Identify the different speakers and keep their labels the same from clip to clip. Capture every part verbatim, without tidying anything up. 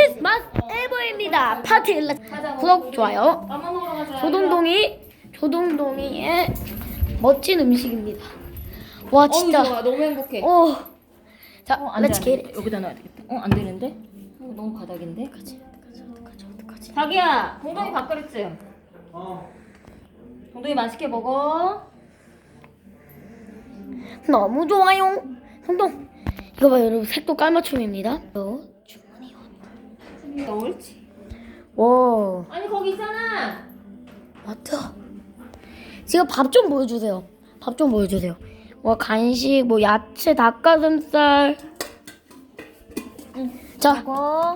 Speaker 1: 크리스마스 에버입니다. 파티 일렉 구독 좋아요. 조동동이 조동동이의 멋진 음식입니다. 와 진짜.
Speaker 2: 어우, 좋아. 너무 행복해.
Speaker 1: 오. 자,
Speaker 2: 어, 안 돼,
Speaker 1: 렛츠
Speaker 2: 안
Speaker 1: 겟
Speaker 2: 돼. 여기다 놔야 되겠다. 어, 안 되는데? 어, 너무 바닥인데?
Speaker 1: 어떡하지? 어떡하지? 어떡하지? 어떡하지?
Speaker 2: 자기야, 동동이 밥그릇. 어. 동동이 맛있게 먹어.
Speaker 1: 너무 좋아요. 동동. 이거 봐요, 여러분. 색도 깔맞춤입니다. 어, 주문이요.
Speaker 2: 옳지.
Speaker 1: 와.
Speaker 2: 아니 거기 있잖아.
Speaker 1: 맞다. 지금 밥 좀 보여주세요. 밥 좀 보여주세요. 와, 간식, 뭐 야채, 닭가슴살.
Speaker 2: 응.
Speaker 1: 자,
Speaker 2: 먹어.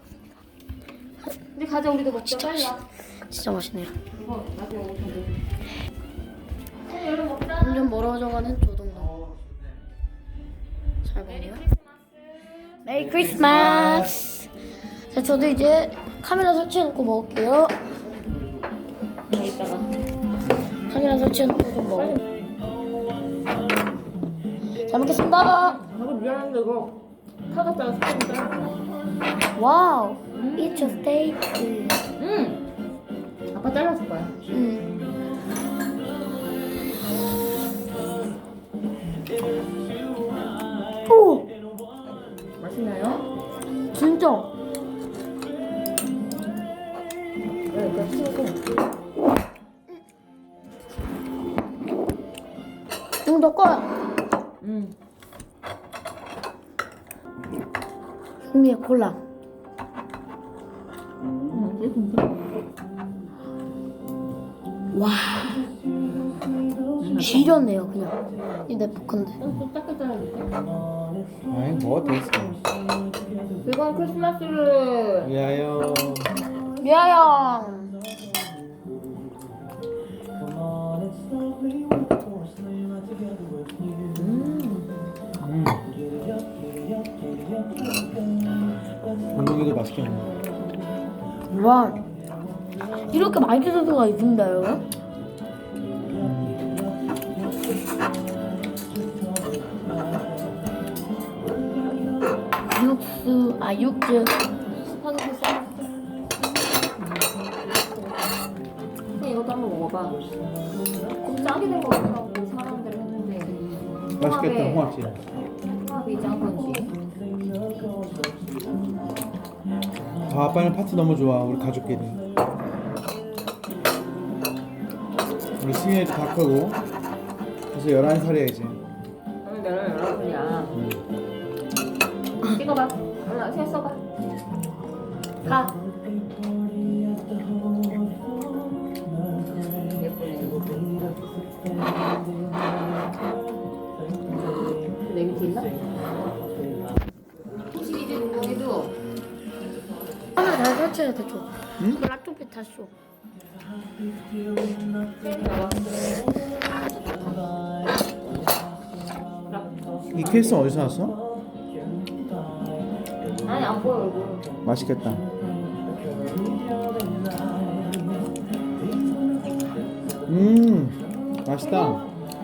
Speaker 2: 근데 가자, 우리도 먹자.
Speaker 1: 진짜
Speaker 2: 빨리 와.
Speaker 1: 진짜 맛있네요.
Speaker 2: 이거 나도 먹을 텐데. 어, 여름 먹자.
Speaker 1: 점점 멀어져가는 조동동. 잘 먹네요. 메리 크리스마스. 자, 저도 이제 카메라 설치해놓고 먹을게요.
Speaker 2: 나 이따가.
Speaker 1: 카메라 설치해놓고 좀 먹어. 잘 먹겠습니다.
Speaker 2: 나도 미안한데 이거 타갔다가 스팸인데.
Speaker 1: 와우. It's a steak.
Speaker 2: 응. 아빠 잘라줄 거야.
Speaker 1: 음. 오,
Speaker 2: 맛있나요?
Speaker 1: 진짜.
Speaker 2: 네, 이거 치우고.
Speaker 1: 이거 너 거야.
Speaker 2: 응.
Speaker 1: 흥미의 콜라.
Speaker 2: 응, 이게 진짜.
Speaker 1: 와. 지렸네요 그냥. 이 내 포크인데.
Speaker 2: 좀 작게 잘라줄게.
Speaker 3: 아이 뭐 됐어.
Speaker 2: 즐거운 크리스마스를.
Speaker 3: 위하여.
Speaker 1: 미아야.
Speaker 3: 음. 동동이도 맛있게 먹어.
Speaker 1: 와. 이렇게 맛있을 수가 있습니다요. 육수, 아 육즙.
Speaker 2: 스파게티 쌀. 그냥 이것도 한번 먹어봐. 좀 짜게 된 거 같다고 사람들 했는데.
Speaker 3: 맛있겠다 홍합지.
Speaker 2: 홍합이 짠 건지.
Speaker 3: 아 아빠는 파티 너무 좋아 우리 가족끼리. 우리 승현이도 다 크고 그래서 열한 살이야 이제.
Speaker 2: 오늘 내가 여러분이야.
Speaker 3: 음.
Speaker 2: 찍어봐. 하나, 셋 써봐. 가. 예쁘네. 내 밑에 있나? 혹시 이제 동동이도
Speaker 1: 하나 잘 설치해야 돼, 줘.
Speaker 3: 응?
Speaker 1: 이거 락토피 다 줘.
Speaker 3: 이 케이스 어디서 났어?
Speaker 2: 아니 안 보여 얼굴.
Speaker 3: 맛있겠다. 음 맛있다.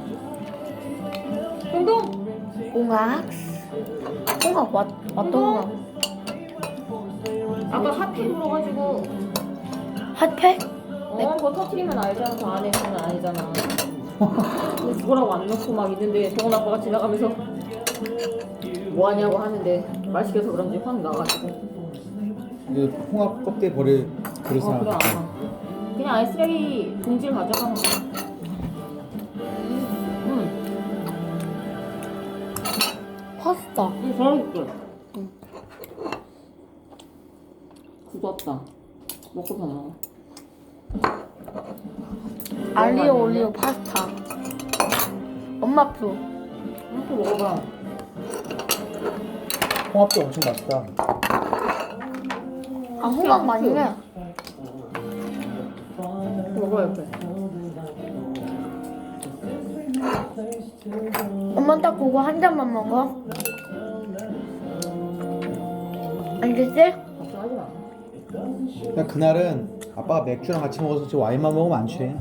Speaker 2: 동동.
Speaker 1: 홍합. 홍합 왔, 왔던 홍합.
Speaker 2: 아까 핫팩 물어가지고.
Speaker 1: 핫팩?
Speaker 2: 어, 그거 터트리면 알잖아. 저 안에 있으면 아니잖아. 근데 그거라고 안 넣고 막 있는데 동원 아빠가 지나가면서 뭐 하냐고 하는데 말 시켜서 그런지 확 나가지고.
Speaker 3: 그 홍합 껍데기 버릴 그릇
Speaker 2: 어, 그래
Speaker 3: 하나.
Speaker 2: 안 그냥 아이 쓰레기 봉지를 가져가면 돼. 응,
Speaker 1: 파스타.
Speaker 2: 응, 잘해줄게. 응. 굳었다. 먹고서 먹어.
Speaker 1: 알리오 올리오 파스타. 엄마 표.
Speaker 2: 이렇게 먹어봐.
Speaker 3: 홍합도 엄청 맛있다.
Speaker 1: 아, 홍합 맛있네.
Speaker 2: 먹어 옆에.
Speaker 1: 엄마 딱 그거 한 잔만 먹어. 알겠지?
Speaker 2: 걱정하지 마.
Speaker 3: 그냥 그날은 아빠가 맥주랑 같이 먹어서 저 와인만 먹으면 안 취해.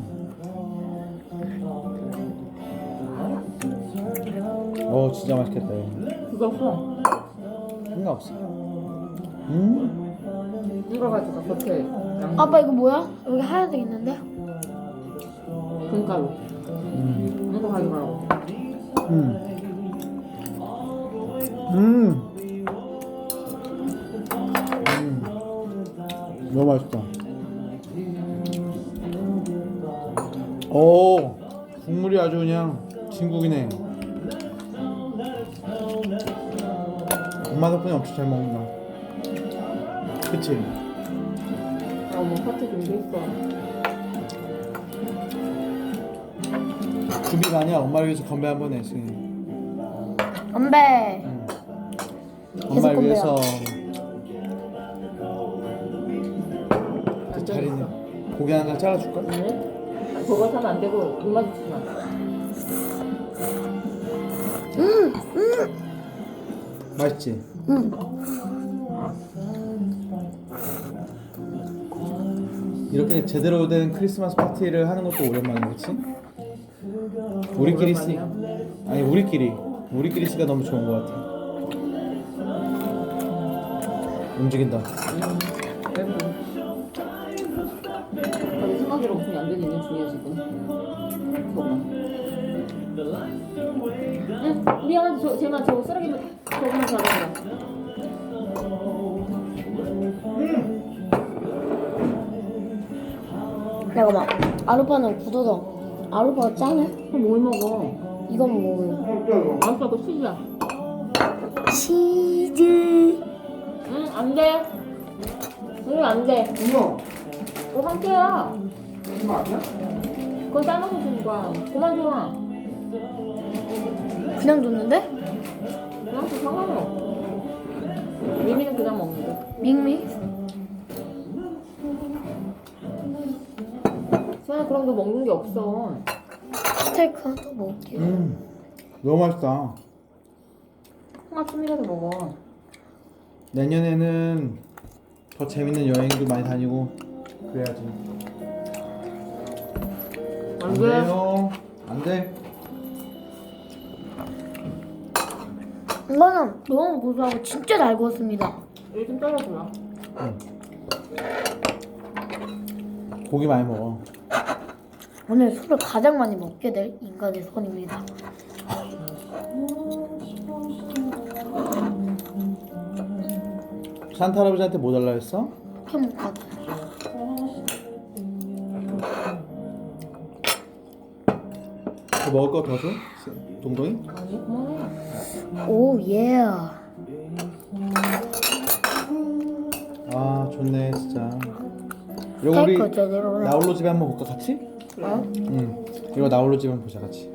Speaker 3: 어 진짜 맛있겠다. 이거.
Speaker 2: 그거 없어.
Speaker 3: 상관없어. 음.
Speaker 2: 이거 가져가 겉에 양
Speaker 1: 아빠 이거 뭐야? 여기 하얀색 있는데?
Speaker 2: 금가루.
Speaker 3: 음.
Speaker 2: 이거 가져가라고.
Speaker 3: 음. 음. 음. 너무 맛있다. 오, 국물이 아주 그냥 진국이네. 엄마 덕분에 엄청 잘 먹는다. 그치?
Speaker 2: 아, 뭐 파트 준비했어.
Speaker 3: 준비가 아니야. 엄마를 위해서 건배 한번 해, 승희.
Speaker 1: 건배.
Speaker 3: 응.
Speaker 1: 계속
Speaker 3: 엄마를
Speaker 1: 건배야.
Speaker 3: 위해서
Speaker 2: 안
Speaker 3: 자리는
Speaker 2: 되겠어.
Speaker 3: 고기 하나 잘라줄까?
Speaker 2: 응? 저거 사면 안 되고 눈 마주치지 마.
Speaker 1: 음, 음,
Speaker 3: 맛있지?
Speaker 1: 음.
Speaker 3: 이렇게 제대로 된 크리스마스 파티를 하는 것도 오랜만이야, 그치? 우리끼리 쓰
Speaker 2: 오랜만이야?
Speaker 3: 아니 우리끼리 우리끼리 쓰기가 너무 좋은 것 같아. 움직인다.
Speaker 2: 응. 자기 생각대로 없으면 안 되는 있는 중이야 지금. 저거. 응, 미안한데 저 제가 저거 쓰레기만 저거만 가져가라.
Speaker 1: 잠깐만. 아루파는 굳어서. 아루파가 짜네?
Speaker 2: 그럼 뭘 먹어?
Speaker 1: 이건 먹어요.
Speaker 2: 맛있어, 그거 치즈야.
Speaker 1: 치즈.
Speaker 2: 응, 안 돼. 응, 안 돼.
Speaker 3: 엄마,
Speaker 2: 그거 상태야.
Speaker 3: 이거 아니야?
Speaker 2: 그거 싸놓고 주는 거야. 그만 줘.
Speaker 1: 그냥 줬는데?
Speaker 2: 그냥 줘, 상관없어. 미미는 그냥 먹는데.
Speaker 1: 밍밍.
Speaker 2: 수현아 그런 거 먹는 게 없어.
Speaker 1: 스테이크 하나 더 먹을게요.
Speaker 3: 음, 너무 맛있다.
Speaker 2: 홍합찜이라도 먹어.
Speaker 3: 내년에는 더 재밌는 여행도 많이 다니고 그래야지.
Speaker 2: 안
Speaker 3: 안
Speaker 2: 돼.
Speaker 3: 돼요. 안 돼.
Speaker 1: 이거는 너무 고소하고 진짜 잘 구웠습니다.
Speaker 2: 이거 좀 잘라주라.
Speaker 3: 응. 고기 많이 먹어.
Speaker 1: 오늘 술을 가장 많이 먹게 될 인간의 손입니다.
Speaker 3: 산타 할아버지한테 뭐 달라 했어?
Speaker 1: 행복하다.
Speaker 3: 더 먹을 거 더 줘? 동동이?
Speaker 2: 아니, 그만해.
Speaker 1: 오 예.
Speaker 3: 아 좋네 진짜. 이거 우리
Speaker 1: 스테이크 제대로 해.
Speaker 3: 나홀로 집에 한번 볼까 같이?
Speaker 2: 그래?
Speaker 3: 응. 이거 나홀로 집에 한번 보자 같이.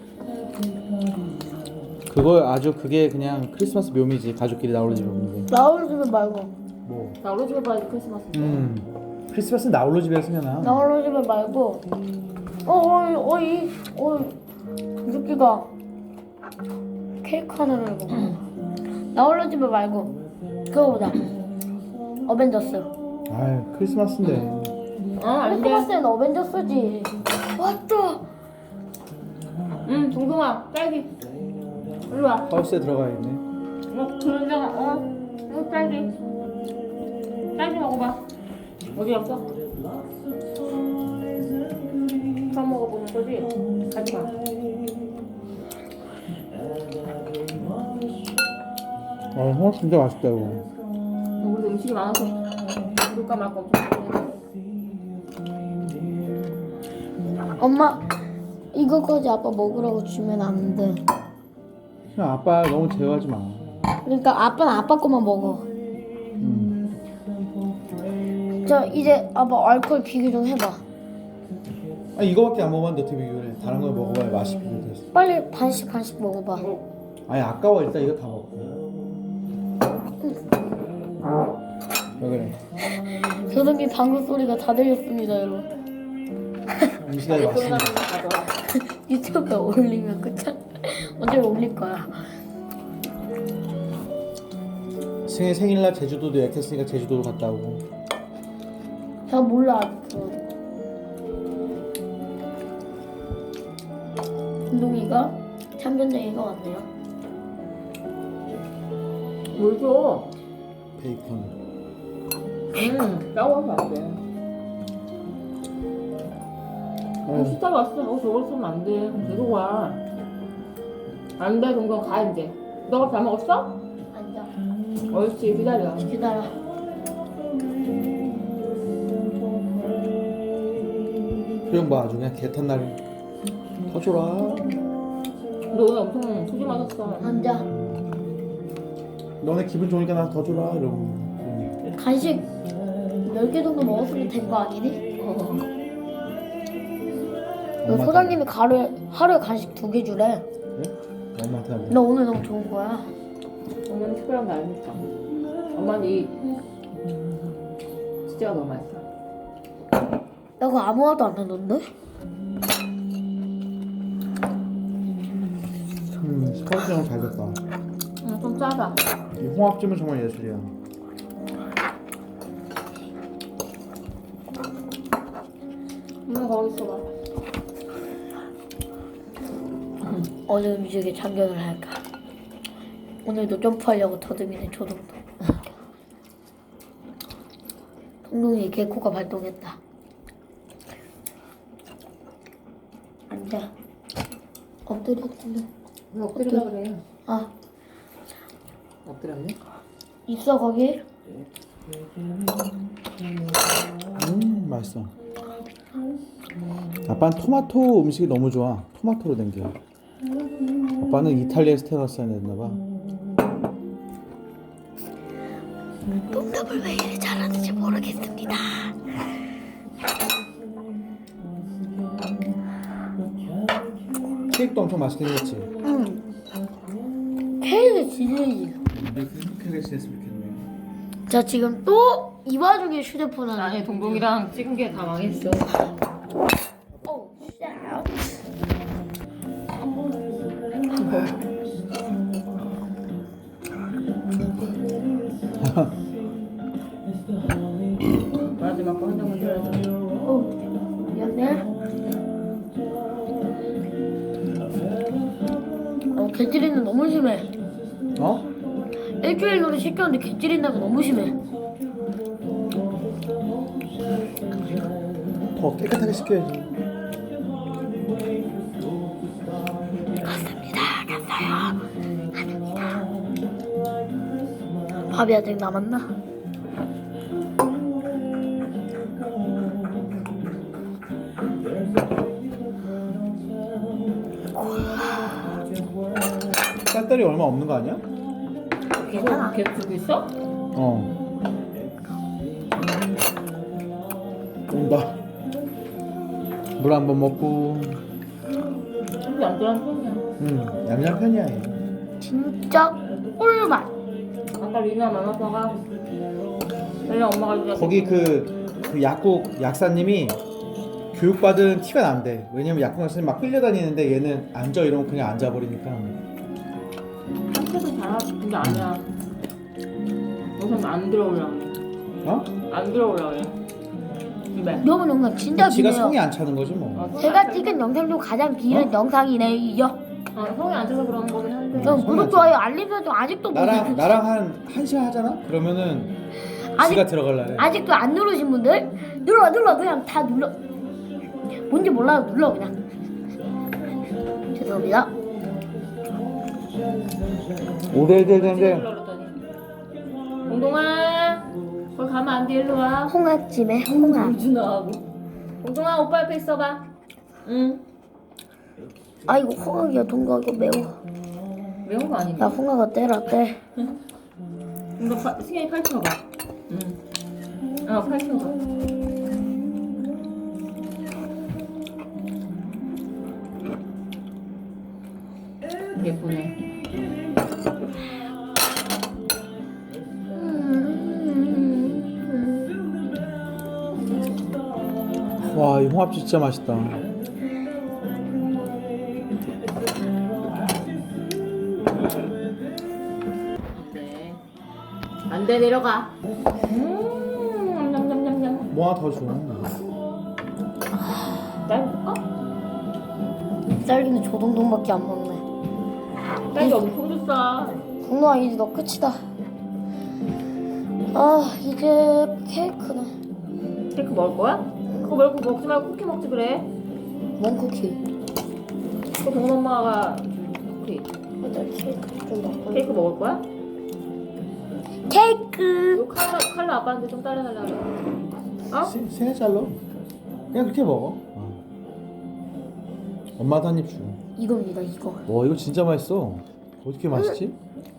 Speaker 3: 그거 아주 그게 그냥 크리스마스 묘미지. 가족끼리 나홀로 집에 보는 게.
Speaker 1: 나홀로 집에 말고.
Speaker 3: 뭐?
Speaker 2: 나 우리 집에 봐야지 크리스마스.
Speaker 3: 음. 크리스마스는 나홀로 집에서 승현아.
Speaker 1: 나홀로 집에 말고. 어이 어이 어이 유기가 케이크 하나를 먹어. 나홀로 집에 말고 그거 보자. 어벤져스.
Speaker 3: 아유 크리스마스인데.
Speaker 2: 아, 안 돼.
Speaker 1: 크리스마스는 어벤져스지. 맞다.
Speaker 2: 응, 동동아, 딸기. 이리 와.
Speaker 3: 하우스에 들어가야겠네.
Speaker 2: 어, 그러잖아. 어, 이거 딸기. 딸기 먹어봐. 어디 갔어? 처음 먹어보는 거지? 가지 마.
Speaker 3: 아 홍합 진짜 맛있다 이거.
Speaker 2: 우리 음식이 많아서 물까 말까 엄청 고민해.
Speaker 1: 엄마 이거까지 아빠 먹으라고 주면 안 돼.
Speaker 3: 그냥 아빠 너무 제어하지 마.
Speaker 1: 그러니까 아빠는 아빠 거만 먹어.
Speaker 3: 음.
Speaker 1: 자 이제 아빠 알코올 비교 좀 해봐.
Speaker 3: 아 이거밖에 안 먹었는데 어떻게 비교를 해? 다른 걸 먹어봐야 맛이 비교돼서.
Speaker 1: 빨리 반씩 반씩 먹어봐.
Speaker 3: 아니 아까워 일단 이거 다 먹고. 왜 그래?
Speaker 1: 조동이 방구 소리가 다 들렸습니다 여러분.
Speaker 3: 음식이
Speaker 2: 소리
Speaker 3: 맛있네.
Speaker 2: 나는 거 가져와.
Speaker 1: 유튜브에 올리면 그쵸? 언제 올릴 거야.
Speaker 3: 승희 생일날 제주도도 예약했으니까 제주도로 갔다 오고.
Speaker 1: 저 몰라 아직도. 운동이가 참견쟁이가 왔네요.
Speaker 2: 뭘 줘?
Speaker 3: 베이컨.
Speaker 2: 음, 짜고서 안 돼. 어, 식사 왔어. 어, 저걸 쓰면 안 돼. 그럼 계속 와. 안 돼, 동경 가 이제. 너가 다 먹었어?
Speaker 1: 앉아.
Speaker 2: 옳지, 기다려.
Speaker 1: 기다려.
Speaker 3: 표정 봐 아주 그냥 개탄 날 터줘라.
Speaker 2: 너 오늘 엄청 소주 마셨어.
Speaker 1: 앉아.
Speaker 3: 너네 기분 좋으니까 나 더 줘라 이러고.
Speaker 1: 간식 열 개 정도 먹었으면 된 거 아니니?
Speaker 2: 어.
Speaker 1: 너 소장님이 하루에, 하루에 간식 두 개 주래.
Speaker 3: 그래? 엄마한테 안 돼.
Speaker 1: 너 오늘 너무 좋은 거야.
Speaker 2: 오늘 특별한 날이니까. 엄마는 이 치즈가 너무 맛있어.
Speaker 1: 나 그거 아무 말도 안 했는데?
Speaker 3: 음 스파게티랑 잘 됐다.
Speaker 2: 응, 좀 짜다.
Speaker 3: 이 홍합찜은 정말 예술이야.
Speaker 2: 엄마 거기 있어봐.
Speaker 1: 어느 음식에 참견을 할까? 오늘도 점프하려고 더듬이는 조동동. 동동이 개코가 발동했다. 앉아. 엎드려 엎드려.
Speaker 2: 왜 엎드리려 그래?
Speaker 1: 아
Speaker 2: 엎드렸네?
Speaker 1: 있어 거기?
Speaker 3: 음 맛있어. 아빠는 토마토 음식이 너무 좋아. 토마토로 된 게. 아빠는 이탈리아에서 태어났어야 됐나봐.
Speaker 1: 농담을 왜 이리 잘하는지 모르겠습니다.
Speaker 3: 케이크도 엄청 맛있게 생겼지.
Speaker 1: 응. 케이크 지리지.
Speaker 3: 근데 행복하게 지냈으면 좋겠네.
Speaker 1: 자 지금 또 이 와중에 휴대폰을
Speaker 2: 아니, 동동이랑 찍은 게 다 망했어.
Speaker 1: 오 쉣.
Speaker 2: 마지막 거 한 장만 줘야지.
Speaker 1: 어 미안해. 어 개찌리는 너무 심해.
Speaker 3: 어?
Speaker 1: 일주일 전에 시켰는데 개찌린다고 너무 심해.
Speaker 3: 더 깨끗하게 시켜야지.
Speaker 1: 갔습니다. 갔어요. 갑니다. 밥이 아직 남았나?
Speaker 3: 쌀다리 얼마 없는 거 아니야?
Speaker 2: 계속, 계속 주고 있어?
Speaker 3: 어. 온다. 물 한 번 먹고.
Speaker 2: 근데 안 들어간 편이야.
Speaker 3: 음, 얌얌 편이야. 얘.
Speaker 1: 진짜 꿀맛.
Speaker 2: 아까 리나 만화사가 그냥 엄마가 주자.
Speaker 3: 거기 그, 그 약국 약사님이 교육받은 티가 난대. 왜냐면 약국 약사님 막 끌려다니는데 얘는 앉아 이러면 그냥 앉아버리니까.
Speaker 2: 한테도 잘하지. 근데 아니야. 우선 안 들어오려.
Speaker 3: 어?
Speaker 2: 안 들어오려 그래. 집에.
Speaker 1: 여러분 영상 진짜
Speaker 3: 지가
Speaker 1: 기네요.
Speaker 3: 성이 안 차는 거지 뭐.
Speaker 2: 어,
Speaker 1: 제가 찍은 영상 중 가장 길은
Speaker 3: 어?
Speaker 1: 영상이네요.
Speaker 2: 어, 성이 안 차서 그런 거긴 한데.
Speaker 3: 응.
Speaker 1: 그럼
Speaker 3: 성이
Speaker 1: 구독
Speaker 3: 안
Speaker 1: 좋아요 알림 설정 아직도 못
Speaker 3: 나랑
Speaker 1: 누르-
Speaker 3: 나랑 한 한 시간 하잖아. 그러면은
Speaker 1: 아직-
Speaker 3: 지가 들어갈래.
Speaker 1: 아직도 안 누르신 분들 눌러 눌러 그냥 다 눌러. 뭔지 몰라도 눌러 그냥. 죄송합니다.
Speaker 3: 오래되는데
Speaker 2: 그러더니 동동아 거기 가면 안 돼. 일로 와.
Speaker 1: 홍합찜에 홍합.
Speaker 2: 준아하고 동동아 오빠 옆에 있어봐. 응.
Speaker 1: 아 이거 홍합이야 동거 이거 매워.
Speaker 2: 매운 거 아니야?
Speaker 1: 야 홍합아 때라 때.
Speaker 2: 이거 파, 승현이 팔 쳐봐. 응. 어, 팔 쳐봐. 예쁘네.
Speaker 3: 와, 이 홍합 진짜 맛있다.
Speaker 2: 네. 안 돼, 내려가. 음, 냠냠냠냠.
Speaker 3: 뭐 하나 더 줘.
Speaker 2: 짧을까?
Speaker 1: 쌀기는 조동동밖에 안 먹네.
Speaker 2: 짧게 엄청 줬어.
Speaker 1: 국노아 이제 너 끝이다. 아 이제 케이크는
Speaker 2: 케이크 먹을 거야? 그거 말고 먹지 말고 쿠키 먹지 그래.
Speaker 1: 뭔 쿠키?
Speaker 2: 그 동원 엄마가 쿠키.
Speaker 1: 일단 케이크 좀 먹고.
Speaker 2: 케이크 먹을 거야?
Speaker 1: 케이크.
Speaker 2: 이거 칼라 칼라 아빠한테 좀 따라달라고. 어?
Speaker 3: 세, 세네 잘로 그냥 그렇게 먹어. 어. 엄마도 한 입 줘.
Speaker 1: 이겁니다 이거.
Speaker 3: 와 이거 진짜 맛있어. 어떻게 맛있지?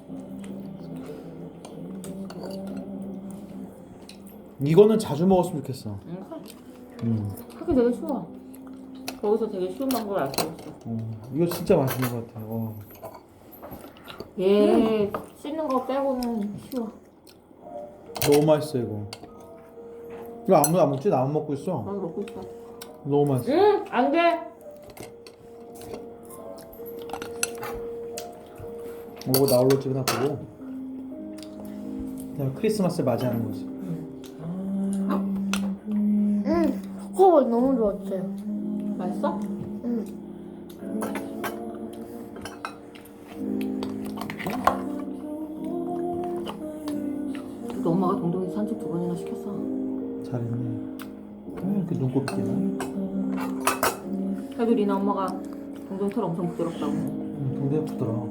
Speaker 3: 이거는 자주 먹었으면 좋겠어.
Speaker 2: 응.
Speaker 3: 음.
Speaker 2: 하기 되게 쉬워. 거기서 되게 쉬운 방법을 알고 있어.
Speaker 3: 어, 이거 진짜 맛있는 것 같아. 어.
Speaker 2: 얘 씻는 거 빼고는 쉬워.
Speaker 3: 너무 맛있어 이거. 이거 아무도 안 먹지? 나만 먹고 있어.
Speaker 2: 나도 먹고 있어.
Speaker 3: 너무 맛있어.
Speaker 2: 응, 안 돼.
Speaker 3: 이거 나 올로 찍으나 보고. 그다음에 크리스마스를 맞이하는 거지.
Speaker 1: 음, 그거 너무 좋았어요.
Speaker 2: 맛있어?
Speaker 1: 음.
Speaker 2: 너 엄마가 동동이 산책 두 번이나 시켰어.
Speaker 3: 잘했네. 왜 이렇게 눈곱이나?
Speaker 2: 그래도 리나 엄마가 동동 털 엄청 부드럽다고.
Speaker 3: 응, 동대 부드러.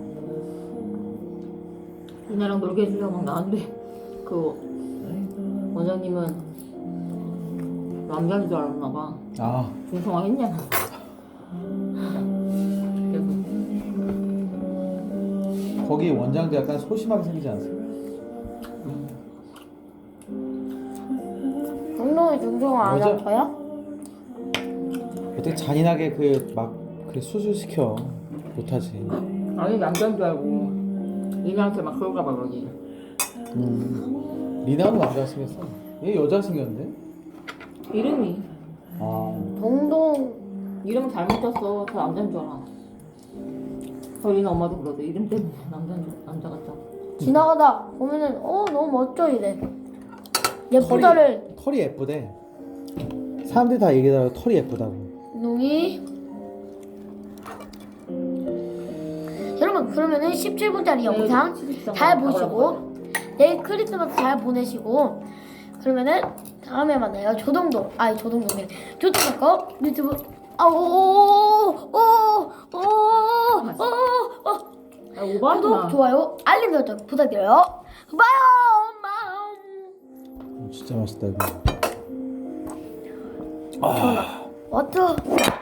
Speaker 2: 리나랑 놀게 해주려고 막 나왔는데 그 원장님은 남자인 줄 알았나 봐.
Speaker 3: 아,
Speaker 2: 중성화 했냐? 그래서
Speaker 3: 거기 원장도 약간 소심하게 생기지 않습니까?
Speaker 1: 운동이 중성화 안
Speaker 3: 맞아.
Speaker 1: 아파요?
Speaker 3: 어떻게 잔인하게 그 막 그 수술 시켜 못하지.
Speaker 2: 아니 남자인 줄 알고 리나한테 막 그럴까 봐 그러지.
Speaker 3: 음. 리나는 남자 생겼어. 얘 여자 생겼는데?
Speaker 2: 이름이
Speaker 3: 아,
Speaker 1: 동동
Speaker 2: 이름 잘못 짰어. 저 남자인 줄 알아. 저 리나 엄마도 그러대. 이름 때문에 남자인 줄 남자 같다고.
Speaker 1: 지나가다 보면은 어 너무 멋져 이래. 예쁘다를
Speaker 3: 털이, 털이 예쁘대. 사람들이 다 얘기하더라고 털이 예쁘다고.
Speaker 1: 농이. 여러분 그러면은 십칠 분짜리 영상 잘 보시고 내일 크리스마스 잘 보내시고 그러면은 다음에 만나요. 조동동 아니 조동동이 조동동 유튜브 아오오오오오오오
Speaker 2: 아, 오버하지
Speaker 1: 구독
Speaker 2: 마.
Speaker 1: 좋아요 알림 설정 부탁드려요. 봐요 엄마.
Speaker 3: 진짜 맛있다 이거.
Speaker 1: 워터